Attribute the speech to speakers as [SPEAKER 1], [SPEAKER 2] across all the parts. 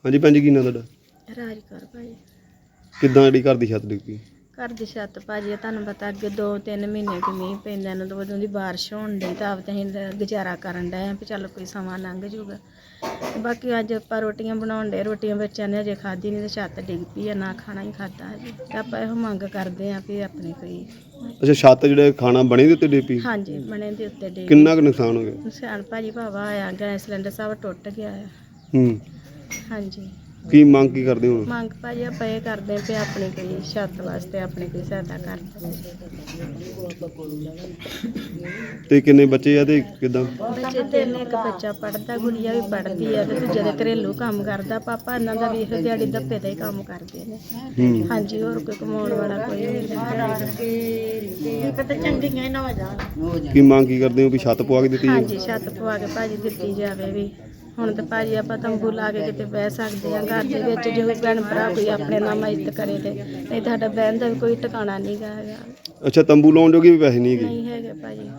[SPEAKER 1] ਹਾਂਜੀ ਭੈਣ ਜੀ, ਕੀ ਨਾਂ ਤੁਹਾਡਾ?
[SPEAKER 2] ਰਾਜ ਕਰ ਭਾਜੀ।
[SPEAKER 1] ਕਿੱਦਾਂ ਜਿਹੜੀ ਘਰ ਦੀ ਛੱਤ ਡਿੱਗ ਪਈ?
[SPEAKER 2] ਘਰ ਦੀ ਛੱਤ ਭਾਜੀ ਤੁਹਾਨੂੰ ਪਤਾ ਅੱਗੇ 2-3 ਮਹੀਨੇ ਕਿ ਮੀਂਹ ਪੈਂਦਾ ਨੂੰ ਤਾਂ ਉਦੋਂ ਦੀ ਬਾਰਿਸ਼ ਹੋਣ ਡਈ ਤਾਂ ਆਪ ਤੇ ਅਸੀਂ ਗੁਜ਼ਾਰਾ ਕਰਨ ਡਏ ਆ ਵੀ ਚੱਲ ਕੋਈ ਸਮਾਂ ਲੰਘ ਜੂਗਾ। ਬਾਕੀ ਅੱਜ ਆਪਾਂ ਰੋਟੀਆਂ ਬਣਾਉਣ ਡਏ, ਰੋਟੀਆਂ ਬੱਚਿਆਂ ਨੇ ਅਜੇ ਖਾਧੀ ਨਹੀਂ ਤੇ ਛੱਤ ਡਿੱਗ ਪਈ ਆ, ਨਾ ਖਾਣਾ ਹੀ ਖਾਧਾ ਹਜੇ ਤੇ ਆਪਾਂ ਇਹੋ ਮੰਗ ਕਰਦੇ ਆ ਵੀ ਆਪਣੇ ਕੋਈ।
[SPEAKER 1] ਅੱਛਾ, ਛੱਤ ਜਿਹੜੇ ਖਾਣਾ ਬਣੇ ਦੇ ਉੱਤੇ ਡਿੱਗ ਪਈ?
[SPEAKER 2] ਹਾਂਜੀ, ਬਣੇ ਦੇ ਉੱਤੇ ਡਿੱਗ
[SPEAKER 1] ਕਿੰਨਾ ਕੁ ਨੁਕਸਾਨ ਹੋ ਗਿਆ?
[SPEAKER 2] ਨੁਕਸਾਨ ਭਾਜੀ ਭਾਵਾ ਆਇਆ, ਗੈਸ ਸਿਲੰਡਰ ਸਭ ਟੁੱਟ ਗਿਆ ਆ।
[SPEAKER 1] ਹੂੰ,
[SPEAKER 2] ਹਾਂਜੀ,
[SPEAKER 1] ਕੀ ਮੰਗ ਕੀ ਕਰਦੇ ਹੋ?
[SPEAKER 2] ਮੰਗ ਭਾਜੀ ਆਪਾਂ ਇਹ ਕਰਦੇ ਆ ਵੀ ਆਪਣੀ ਕੋਈ ਛੱਤ ਵਾਸਤੇ ਆਪਣੀ ਕੋਈ ਸਹਾਇਤਾ ਕਰ ਦਿਓ।
[SPEAKER 1] ਤੇ ਕਿੰਨੇ ਬੱਚੇ ਆ ਤੇ ਕਿੱਦਾਂ?
[SPEAKER 2] ਬੱਚੇ ਤਿੰਨ, ਇੱਕ ਬੱਚਾ ਪੜ੍ਹਦਾ, ਗੁੜੀਆ ਵੀ ਪੜ੍ਹਦੀ ਆ ਤੇ ਦੂਜੇ ਦੇ ਘਰੇਲੂ ਕੰਮ ਕਰਦਾ। ਪਾਪਾ ਇਹਨਾਂ ਦਾ ਵੀ ਇਹੋ ਦਿਹਾੜੀ ਦੱਪੇ ਦਾ ਹੀ ਕੰਮ ਕਰਦੇ ਨੇ।
[SPEAKER 1] ਹੂੰ,
[SPEAKER 2] ਹਾਂਜੀ, ਹੋਰ ਕੋਈ ਕਮਾਉਣ ਵਾਲਾ ਕੋਈ ਨਹੀਂ।
[SPEAKER 1] ਕੀ ਮੰਗ ਕੀ ਕਰਦੇ ਹੋ ਵੀ ਛੱਤ ਪਵਾ ਕੇ ਦਿੱਤੀ ਜਾਵੇ?
[SPEAKER 2] ਹਾਂਜੀ, ਛੱਤ ਪਵਾ ਕੇ ਭਾਜੀ ਦਿੱਤੀ ਜਾਵੇ ਵੀ। ਹੁਣ ਤਾਂ ਭਾਜੀ ਆਪਾਂ ਤੰਬੂ ਲਾ ਕੇ ਕਿਤੇ ਬਹਿ ਸਕਦੇ ਆ ਘਰ ਦੇ ਵਿੱਚ, ਜੋ ਭੈਣ ਭਰਾ ਕੋਈ ਆਪਣੇ ਨਾਲ ਇੱਜ਼ਤ ਕਰੇ ਤੇ, ਨਹੀਂ ਸਾਡਾ ਬਹਿਣ ਦਾ ਵੀ ਕੋਈ ਟਿਕਾਣਾ ਨਹੀਂ ਗਾ ਹੈਗਾ।
[SPEAKER 1] ਅੱਛਾ, ਤੰਬੂ ਲਾਉਣ ਜੋਗੇ ਵੀ ਪੈਸੇ ਨਹੀਂ ਹੈਗੇ?
[SPEAKER 2] ਨਹੀਂ ਹੈਗੇ ਭਾਜੀ।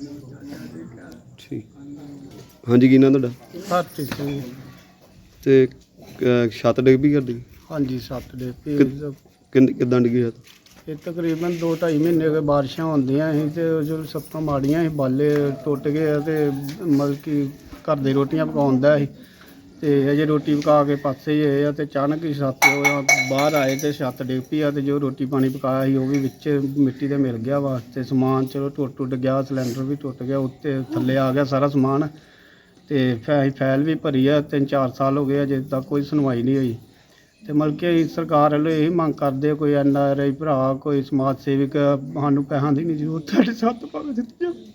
[SPEAKER 1] ਠੀਕ। ਹਾਂਜੀ, ਕੀ ਨਾਂ ਤੁਹਾਡਾ?
[SPEAKER 3] ਹਰਪ੍ਰੀਤ ਸਿੰਘ।
[SPEAKER 1] ਤੇ ਛੱਤ ਡਿੱਗ ਪਈ ਘਰ ਦੀ?
[SPEAKER 3] ਹਾਂਜੀ, ਸੱਤ ਦੇ
[SPEAKER 1] ਕਿੱਦਾਂ ਡਿੱਗੀ ਛੱਤ?
[SPEAKER 3] ਇਹ ਤਕਰੀਬਨ 2-2.5 ਮਹੀਨੇ ਕੇ ਬਾਰਿਸ਼ਾਂ ਹੁੰਦੀਆਂ ਸੀ ਤੇ ਜੋ ਸੱਤਾਂ ਮਾੜੀਆਂ ਸੀ, ਬਾਲੇ ਟੁੱਟ ਗਏ ਆ ਤੇ ਮਤਲਬ ਕਿ ਘਰ ਦੀ ਰੋਟੀਆਂ ਪਕਾਉਂਦਾ ਸੀ ਤੇ ਅਜੇ ਰੋਟੀ ਪਕਾ ਕੇ ਪਾਸੇ ਹੀ ਹੋਏ ਆ ਤੇ ਅਚਾਨਕ ਹੀ ਛੱਤ ਬਾਹਰ ਆਏ ਤੇ ਛੱਤ ਡਿੱਗ ਪਈ ਆ ਤੇ ਜੋ ਰੋਟੀ ਪਾਣੀ ਪਕਾਇਆ ਸੀ ਉਹ ਵੀ ਵਿੱਚ ਮਿੱਟੀ ਦੇ ਮਿਲ ਗਿਆ ਵਾ ਤੇ ਸਮਾਨ ਚਲੋ ਟੁੱਟ ਗਿਆ, ਸਿਲੰਡਰ ਵੀ ਟੁੱਟ ਗਿਆ, ਉੱਤੇ ਥੱਲੇ ਆ ਗਿਆ ਸਾਰਾ ਸਮਾਨ ਤੇ ਫਾਈਲ ਵੀ ਭਰੀ ਆ। 3-4 ਸਾਲ ਹੋ ਗਏ ਅਜੇ ਤੱਕ ਕੋਈ ਸੁਣਵਾਈ ਨਹੀਂ ਹੋਈ ਤੇ ਮਤਲਬ ਕਿ ਸਰਕਾਰ ਵੱਲੋਂ ਇਹ ਮੰਗ ਕਰਦੇ ਕੋਈ NRI ਭਰਾ, ਕੋਈ ਸਮਾਜ ਸੇਵਕ, ਸਾਨੂੰ ਪੈਸਿਆਂ ਦੀ ਨਹੀਂ ਜ਼ਰੂਰਤ, ਸਾਡੇ ਛੱਤ ਪਾ ਕੇ ਦਿੱਤੀ ਜਾਵੇ।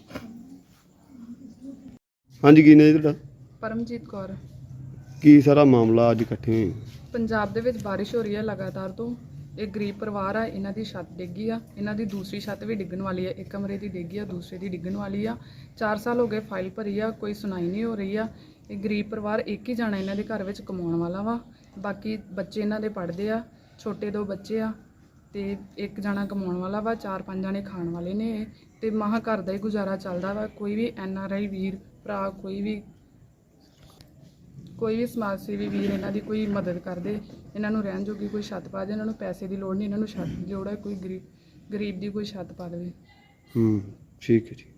[SPEAKER 1] ਹਾਂਜੀ, ਕੀ ਨਾਂ ਜੀ ਤੁਹਾਡਾ?
[SPEAKER 4] ਪਰਮਜੀਤ ਕੌਰ।
[SPEAKER 1] ਕੀ ਸਾਰਾ ਮਾਮਲਾ ਅੱਜ ਇਕੱਠੇ ਹੋਏ?
[SPEAKER 4] ਪੰਜਾਬ ਦੇ ਵਿੱਚ ਬਾਰਿਸ਼ ਹੋ ਰਹੀ ਹੈ ਲਗਾਤਾਰ ਤੋਂ। ਇਹ ਗਰੀਬ ਪਰਿਵਾਰ ਆ, ਇਹਨਾਂ ਦੀ ਛੱਤ ਡਿੱਗੀ ਆ, ਇਹਨਾਂ ਦੀ ਦੂਸਰੀ ਛੱਤ ਵੀ ਡਿੱਗਣ ਵਾਲੀ ਆ। ਇੱਕ ਕਮਰੇ ਦੀ ਡਿੱਗੀ ਆ, ਦੂਸਰੇ ਦੀ ਡਿੱਗਣ ਵਾਲੀ ਆ। 4 ਸਾਲ ਹੋ ਗਏ ਫਾਈਲ ਭਰੀ ਆ, ਕੋਈ ਸੁਣਾਈ ਨਹੀਂ ਹੋ ਰਹੀ ਆ। ਇਹ ਗਰੀਬ ਪਰਿਵਾਰ ਇੱਕ ਹੀ ਜਾਣਾ ਇਹਨਾਂ ਦੇ ਘਰ ਵਿੱਚ ਕਮਾਉਣ ਵਾਲਾ ਵਾ, ਬਾਕੀ ਬੱਚੇ ਇਹਨਾਂ ਦੇ ਪੜ੍ਹਦੇ ਆ, ਛੋਟੇ 2 ਬੱਚੇ ਆ ਤੇ ਇੱਕ ਜਾਣਾ ਕਮਾਉਣ ਵਾਲਾ ਵਾ, 4-5 ਜਾਣੇ ਖਾਣ ਵਾਲੇ ਨੇ ਤੇ ਮਹਾਂ ਘਰ ਦਾ ਹੀ ਗੁਜ਼ਾਰਾ ਚੱਲਦਾ ਵਾ। ਕੋਈ ਵੀ NRI ਵੀਰ ਭਰਾ, ਕੋਈ ਵੀ ਸਮਾਜ ਸੇਵੀ ਵੀਰ ਇਹਨਾਂ ਦੀ ਕੋਈ ਮਦਦ ਕਰਦੇ, ਇਹਨਾਂ ਨੂੰ ਰਹਿਣ ਜੋਗੀ ਕੋਈ ਛੱਤ ਪਾ ਦੇ। ਇਹਨਾਂ ਨੂੰ ਪੈਸੇ ਦੀ ਲੋੜ ਨਹੀਂ, ਇਹਨਾਂ ਨੂੰ ਛੱਤ ਦੀ ਲੋੜ ਹੈ। ਕੋਈ ਗਰੀਬ ਦੀ ਕੋਈ ਛੱਤ ਪਾ ਦੇਵੇ।
[SPEAKER 1] ਠੀਕ ਹੈ ਜੀ।